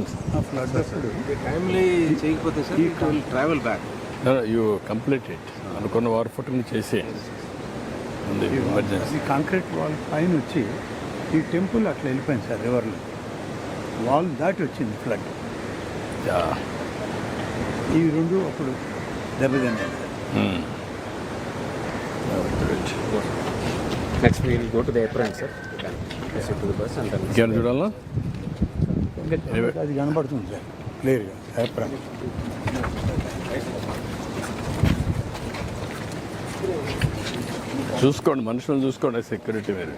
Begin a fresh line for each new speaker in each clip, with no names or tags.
వచ్చింది
ఫ్లడ్ అప్పుడు
టైమ్లీ చేయకపోతే sir it will travel back.
You complete it అనుకున్న వార్ ఫుట్ని చేసేయండి. ఎమర్జెన్సీ
కాంక్రీట్ వాల్ పైన వచ్చి ఈ టెంపుల్ అట్లా వెళ్ళిపోయింది సార్ రివర్లో. వాల్ దాటి వచ్చింది ఫ్లడ్. ఈ రెండు అప్పుడు దెబ్బతిన్నాయి.
Next we'll go to the apron sir. To the bus and
ఇంకేమైనా చూడాలా?
అది కనబడుతుంది సార్ క్లియర్గా ఏప్రాన్.
చూసుకోండి, మనుషులను చూసుకోండి, సెక్యూరిటీ మీరు.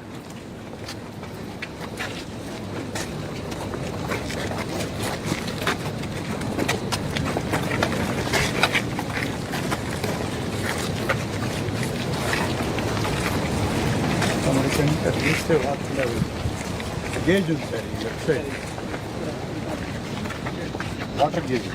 చూస్తే గేజ్ ఉంది సార్ ఈ లెఫ్ట్ సైడ్, వాటర్ గేజ్.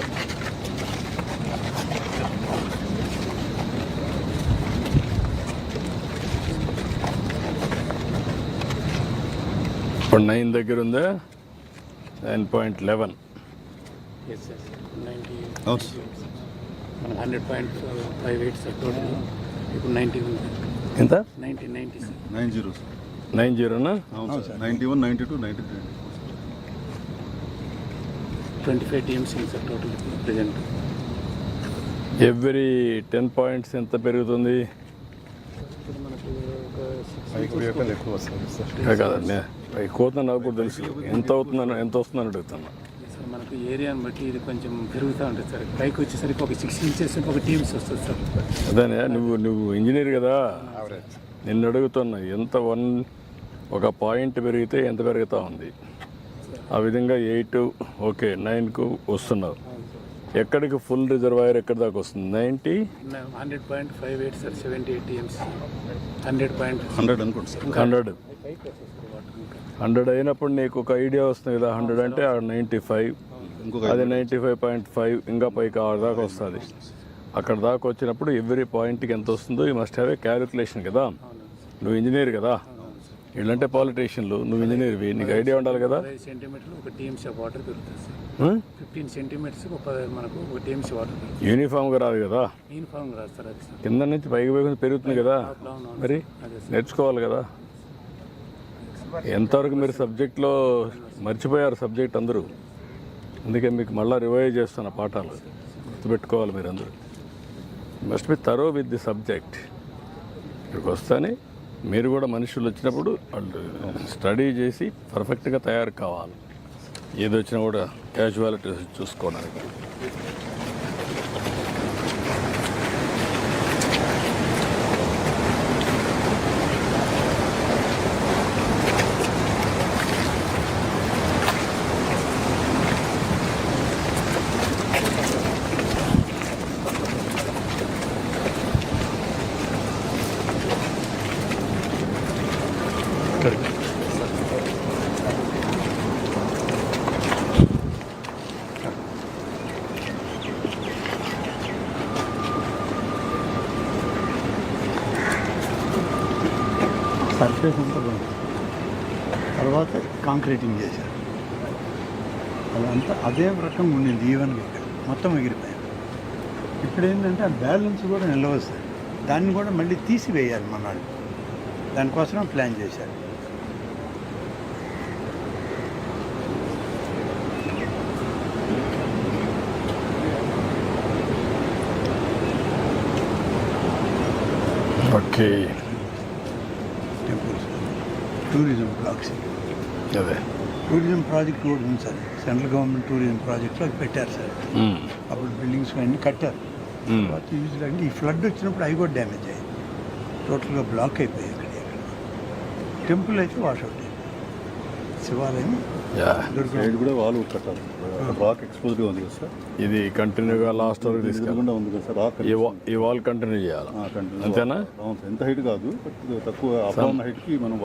ఇప్పుడు 9 దగ్గర ఉందా? 9.11.
అవును సార్.
100.58 sir total. ఇప్పుడు 90 ఉంది.
ఎంత?
90 సార్.
90 సార్.
90నా?
అవును సార్. 91, 92, 93.
25 టీఎంసీ సార్ టోటల్ ఇప్పుడు ప్రజెంట్.
ఎవ్రీ 10 పాయింట్స్ ఎంత పెరుగుతుంది?
ఇప్పుడు మనకు ఒక
5 ఎక్కువ వస్తుంది సార్.
కాదండి, ఎక్కువ నాకు కూడా తెలుసు. ఎంత వస్తుందని అడుగుతున్నా
సార్. మనకు ఏరియాని బట్టి ఇది కొంచెం పెరుగుతూ ఉంటుంది సార్. పైకి వచ్చేసరికి ఒక 6 ఇంచెస్ ఒక టీమ్స్ వస్తుంది సార్.
అదేనే, నువ్వు ఇంజనీర్ కదా, నిన్ను అడుగుతున్నా ఎంత ఒక పాయింట్ పెరిగితే ఎంత పెరుగుతూ ఉంది. ఆ విధంగా 8 ఓకే 9కు వస్తున్నావు. ఎక్కడికి ఫుల్ రిజర్వాయర్ ఎక్కడి దాకా వస్తుంది? 90
100.58 సార్. 78 టీఎంసీ. 100
అనుకోండి సార్.
100 అయినప్పుడు నీకు ఒక ఐడియా వస్తుంది కదా. 100 అంటే 95, అది 95.5, ఇంకా పైకి 6 దాకా వస్తుంది. అక్కడ దాకా వచ్చినప్పుడు ఎవ్రీ పాయింట్కి ఎంత వస్తుందో ఈ మస్ట్ హ్యావ్ ఏ క్యాలిక్యులేషన్ కదా. నువ్వు ఇంజనీర్ కదా, వీళ్ళంటే పాలిటీషియన్లు, నువ్వు ఇంజనీర్వి, నీకు ఐడియా ఉండాలి కదా.
5 సెంటీమీటర్లు ఒక టీఎంసీ ఆఫ్ వాటర్ పెరుగుతుంది సార్. 15 సెంటీమీటర్స్ మనకు ఒక టీఎంసీ వాటర్ పెరుగుతుంది.
యూనిఫామ్గా రాదు కదా,
యూనిఫామ్ రాదు సార్. అది సార్
కింద నుంచి పైకి పెరుగుతుంది కదా, మరి నేర్చుకోవాలి కదా. ఎంతవరకు మీరు సబ్జెక్ట్లో మర్చిపోయారు సబ్జెక్ట్ అందరూ, అందుకే మీకు మళ్ళీ రివైజ్ చేస్తున్న పాఠాలు గుర్తుపెట్టుకోవాలి మీరు అందరూ. Must be thorough with the subject. ఇక్కడికి వస్తానే మీరు కూడా మనుషులు వచ్చినప్పుడు వాళ్ళు స్టడీ చేసి పర్ఫెక్ట్గా తయారు కావాలి. ఏది వచ్చినా కూడా క్యాజువాలిటీ చూసుకోవడానికి.
సర్ఫేస్ అంతా బాగుంది. తర్వాత కాంక్రీటింగ్ చేశారు. అదంతా అదే రకంగా ఉండింది ఈవెన్గా. ఇక్కడ మొత్తం ఎగిరిపోయాయి. ఇప్పుడు ఏంటంటే ఆ బ్యాలెన్స్ కూడా నిలవస్తుంది. దాన్ని కూడా మళ్ళీ తీసివేయాలి మనాడు. దానికోసం ప్లాన్ చేశారు.
Okay,
temples, tourism blocks.
అదే
టూరిజం ప్రాజెక్ట్ కూడా ఉంది సార్. సెంట్రల్ గవర్నమెంట్ టూరిజం ప్రాజెక్ట్లో అది పెట్టారు సార్. అప్పుడు బిల్డింగ్స్ అన్నీ కట్టారు. తర్వాత యూజ్ అంటే ఈ ఫ్లడ్ వచ్చినప్పుడు అవి కూడా డ్యామేజ్ అయ్యాయి. టోటల్గా బ్లాక్ అయిపోయాయి. ఇక్కడ టెంపుల్ అయితే వాషౌట్ అయ్యింది. శివాలయం
సైడ్ కూడా వాల్ కట్టాలి. రాక్ ఎక్స్పోజ్గా ఉంది కదా సార్.
ఇది కంటిన్యూగా లాస్ట్ వరకు తీసుకెళ్ళి
ఉంది కదా సార్. రాక్
ఈ వాల్ కంటిన్యూ చేయాలి, అంతేనా?
ఎంత హైట్ కాదు, తక్కువ అప్ హైట్కి మనం